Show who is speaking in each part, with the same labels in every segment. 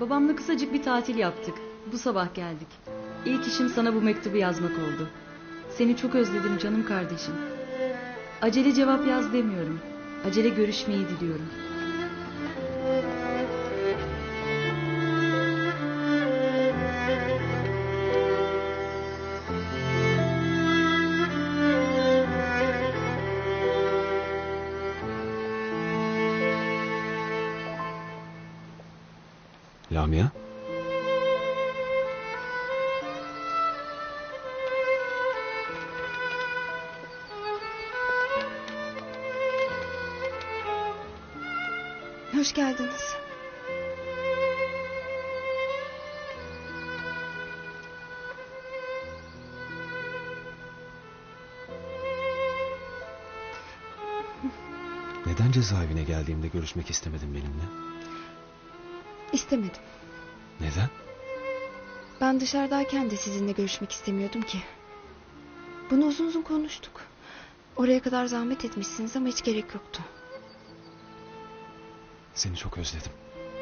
Speaker 1: Babamla kısacık bir tatil yaptık. Bu sabah geldik. İlk işim sana bu mektubu yazmak oldu. Seni çok özledim canım kardeşim. Acele cevap yaz demiyorum. Acele görüşmeyi diliyorum.
Speaker 2: Lamia?
Speaker 3: Hoş geldiniz.
Speaker 2: Neden cezaevine geldiğimde görüşmek istemedin benimle?
Speaker 3: İstemedim.
Speaker 2: Neden?
Speaker 3: Ben dışarıdayken de sizinle görüşmek istemiyordum ki. Bunu uzun uzun konuştuk. Oraya kadar zahmet etmişsiniz ama hiç gerek yoktu.
Speaker 2: Seni çok özledim.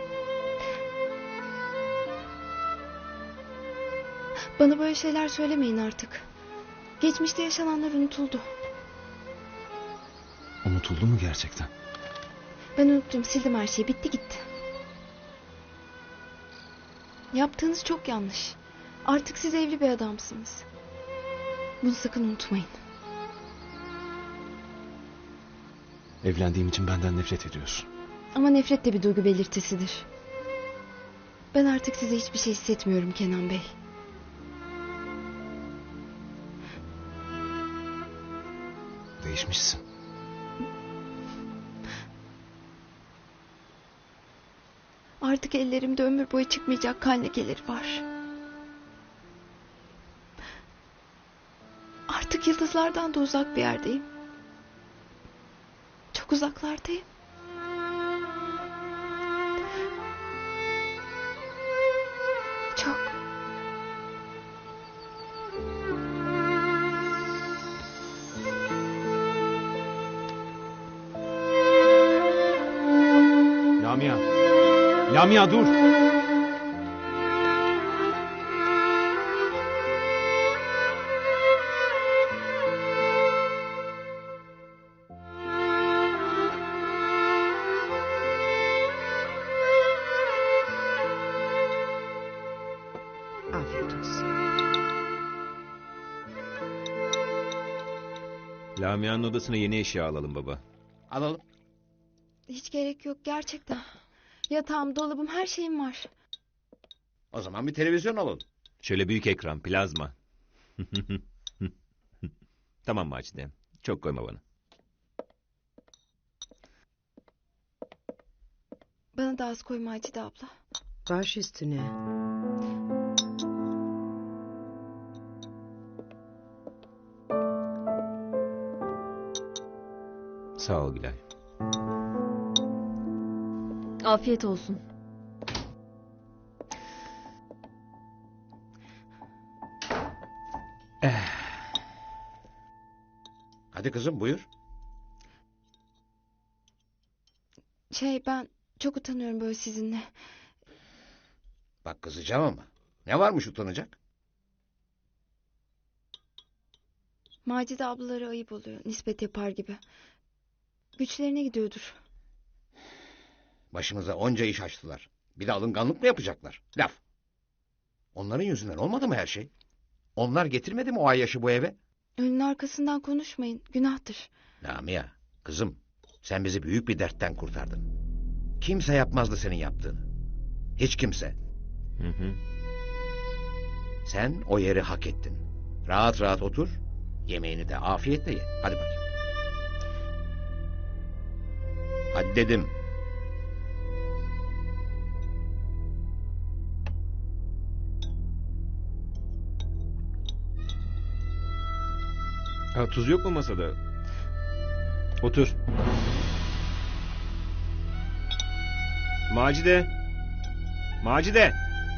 Speaker 3: Bana böyle şeyler söylemeyin artık. Geçmişte yaşananlar unutuldu.
Speaker 2: Unutuldu mu gerçekten?
Speaker 3: Ben unuttum, sildim her şeyi, bitti gitti. Yaptığınız çok yanlış. Artık siz evli bir adamsınız. Bunu sakın unutmayın.
Speaker 2: Evlendiğim için benden nefret ediyorsun.
Speaker 3: Ama nefret de bir duygu belirtisidir. Ben artık size hiçbir şey hissetmiyorum Kenan Bey.
Speaker 2: Değişmişsin.
Speaker 3: Artık ellerimde ömür boyu çıkmayacak kan lekeleri var. Artık yıldızlardan da uzak bir yerdeyim. Çok uzaklardayım. Çok.
Speaker 2: Lamia! Lamia dur!
Speaker 4: Afiyet olsun.
Speaker 5: Lamia'nın odasına yeni eşya alalım baba.
Speaker 6: Alalım.
Speaker 3: Hiç gerek yok gerçekten. Yatağım, dolabım, her şeyim var.
Speaker 6: O zaman bir televizyon alalım.
Speaker 5: Şöyle büyük ekran, plazma. Tamam Macide. Çok koyma bana.
Speaker 3: Bana da az koyma Acide abla.
Speaker 4: Baş üstüne.
Speaker 5: Sağ ol Gülay.
Speaker 1: Afiyet olsun.
Speaker 6: Hadi kızım buyur.
Speaker 3: Ben çok utanıyorum böyle sizinle.
Speaker 6: Bak kızacağım ama. Ne varmış utanacak?
Speaker 3: Macide ablaları ayıp oluyor. Nispet yapar gibi. Güçlerine gidiyordur.
Speaker 6: Başımıza onca iş açtılar. Bir de alınganlık mı yapacaklar? Laf. Onların yüzünden olmadı mı her şey? Onlar getirmedi mi o Ayyaş'ı bu eve?
Speaker 3: Önün arkasından konuşmayın. Günahtır.
Speaker 6: Lamia, kızım sen bizi büyük bir dertten kurtardın. Kimse yapmazdı senin yaptığını. Hiç kimse.
Speaker 5: Hı.
Speaker 6: Sen o yeri hak ettin. Rahat rahat otur. Yemeğini de afiyetle ye. Hadi bakayım. Hadi dedim.
Speaker 5: Ha, tuz yok mu masada? Otur. Macide. Macide.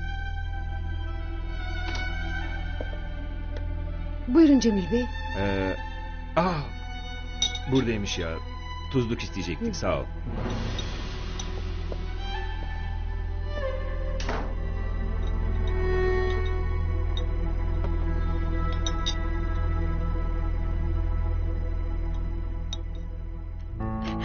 Speaker 4: Buyurun Cemil Bey.
Speaker 5: Ah, buradaymış ya. Tuzluk isteyecektik, sağ ol.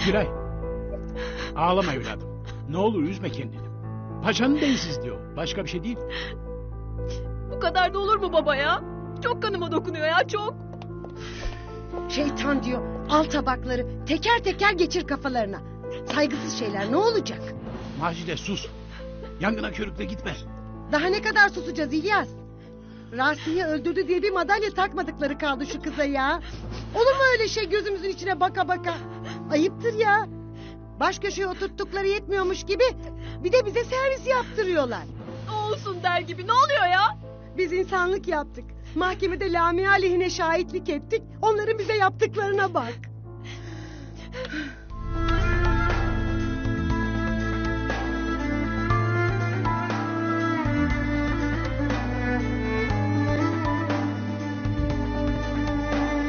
Speaker 7: Gülay. Ağlama evladım. Ne olur üzme kendini. Paşanın densiz diyor. Başka bir şey değil.
Speaker 8: Bu kadar da olur mu baba ya? Çok kanıma dokunuyor ya, çok.
Speaker 4: Şeytan diyor. Al tabakları. Teker teker geçir kafalarına. Saygısız şeyler ne olacak?
Speaker 7: Macide sus. Yangına körükle gitme.
Speaker 4: Daha ne kadar susacağız İlyas? Rasi'yi öldürdü diye bir madalya takmadıkları kaldı şu kıza ya. Olur mu öyle şey gözümüzün içine baka baka? Ayıptır ya. Baş köşeye oturttukları yetmiyormuş gibi bir de bize servis yaptırıyorlar.
Speaker 8: Olsun der gibi, ne oluyor ya?
Speaker 4: Biz insanlık yaptık. Mahkemede Lamia lehine şahitlik ettik. Onların bize yaptıklarına bak.